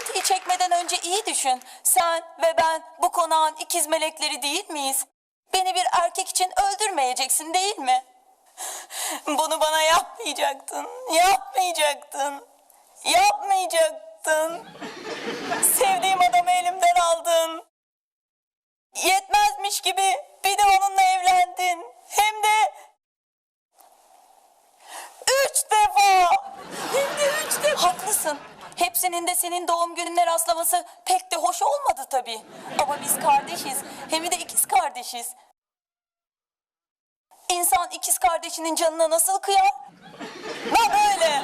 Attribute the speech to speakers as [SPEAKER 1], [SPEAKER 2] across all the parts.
[SPEAKER 1] Tetiği çekmeden önce iyi düşün. Sen ve ben bu konağın ikiz melekleri değil miyiz? Beni bir erkek için öldürmeyeceksin değil mi? Bunu bana yapmayacaktın. Yapmayacaktın. Yapmayacaktın. Sevdiğim adamı elimden aldın. Yetmezmiş gibi bir de onunla evlendin. Hem de 3 defa. Hem de 3 defa. Haklısın. Hepsinin de senin doğum gününe rastlaması pek de hoş olmadı tabii. Ama biz kardeşiz. Hem de ikiz kardeşiz. İnsan ikiz kardeşinin canına nasıl kıyar? Ben böyle.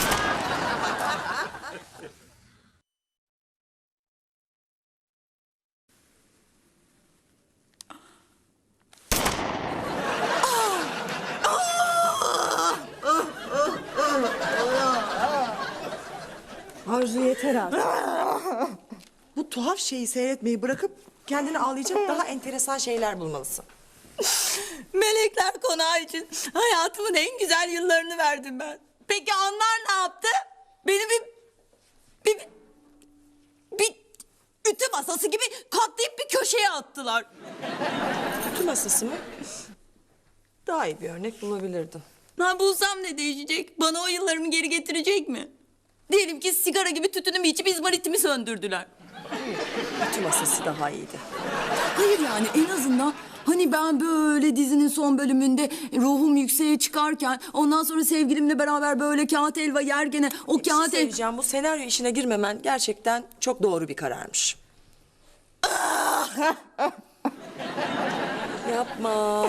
[SPEAKER 2] Arzu yeter artık. Bu tuhaf şeyi seyretmeyi bırakıp kendini ağlayacak daha enteresan şeyler bulmalısın.
[SPEAKER 1] Melekler konağı için hayatımın en güzel yıllarını verdim ben. Peki onlar ne yaptı? Beni bir ütü masası gibi katlayıp bir köşeye attılar.
[SPEAKER 2] Ütü masası mı? Daha iyi bir örnek bulabilirdim.
[SPEAKER 1] Ben bulsam ne değişecek? Bana o yıllarımı geri getirecek mi? Diyelim ki sigara gibi tütünümü içip izmaritimi söndürdüler.
[SPEAKER 2] Ütü masası daha iyiydi.
[SPEAKER 1] Hayır yani en azından hani ben böyle dizinin son bölümünde ruhum yükseğe çıkarken ondan sonra sevgilimle beraber böyle kağıt helva yergene o
[SPEAKER 2] Bir şey
[SPEAKER 1] kağıt
[SPEAKER 2] söyleyeceğim. Bu senaryo işine girmemen gerçekten çok doğru bir kararmış. Yapma.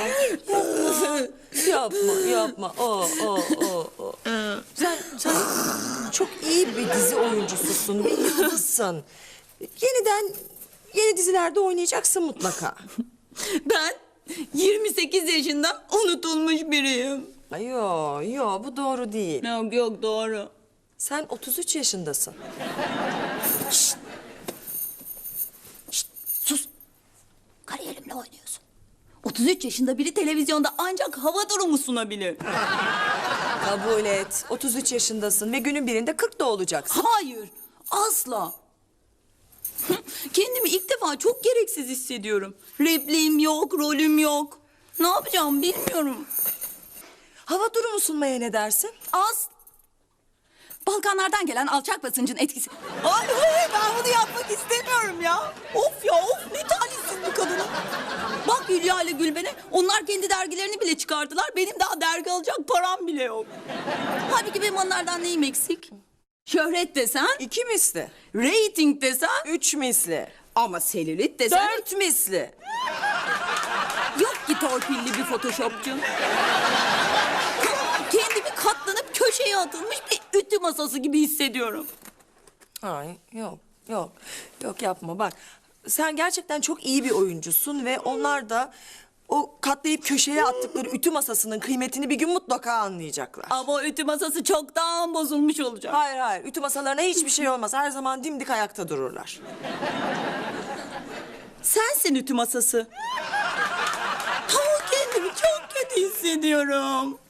[SPEAKER 2] Yapma. O. Sen çok iyi bir dizi oyuncususun. Bir yıldızsın. Yeni dizilerde oynayacaksın mutlaka.
[SPEAKER 1] Ben 28 yaşında unutulmuş biriyim.
[SPEAKER 2] Ay, yo bu doğru değil.
[SPEAKER 1] Yok doğru.
[SPEAKER 2] Sen 33 yaşındasın.
[SPEAKER 1] Sus. Kariyerimle oynuyorsun. 33 yaşında biri televizyonda ancak hava durumu sunabilir.
[SPEAKER 2] Kabul et. 33 yaşındasın ve günün birinde 40 da olacaksın.
[SPEAKER 1] Hayır, asla. Kendimi ilk defa çok gereksiz hissediyorum. Repliğim yok, rolüm yok. Ne yapacağım bilmiyorum.
[SPEAKER 2] Hava durumu sunmaya ne dersin?
[SPEAKER 1] Balkanlardan gelen alçak basıncın etkisi. Ay ben bunu yapmak istemiyorum ya. Of ne talihsiz bir kadınım. Bak Hülya ile Gülben'e onlar kendi dergilerini bile çıkardılar. Benim daha dergi alacak param bile yok. Halbuki benim onlardan neyim eksik? Şöhret desen,
[SPEAKER 2] 2 misli,
[SPEAKER 1] reyting desen
[SPEAKER 2] 3 misli,
[SPEAKER 1] ama selülit desen
[SPEAKER 2] 4 misli.
[SPEAKER 1] yok ki torpilli bir photoshopçu. Kendimi katlanıp köşeye atılmış bir ütü masası gibi hissediyorum.
[SPEAKER 2] Ay yok yapma bak. Sen gerçekten çok iyi bir oyuncusun ve onlar da o katlayıp köşeye attıkları ütü masasının kıymetini bir gün mutlaka anlayacaklar.
[SPEAKER 1] Ama o ütü masası çoktan bozulmuş olacak.
[SPEAKER 2] Hayır, ütü masalarına hiçbir şey olmaz. Her zaman dimdik ayakta dururlar.
[SPEAKER 1] Sensin ütü masası. Kendimi çok kötü hissediyorum.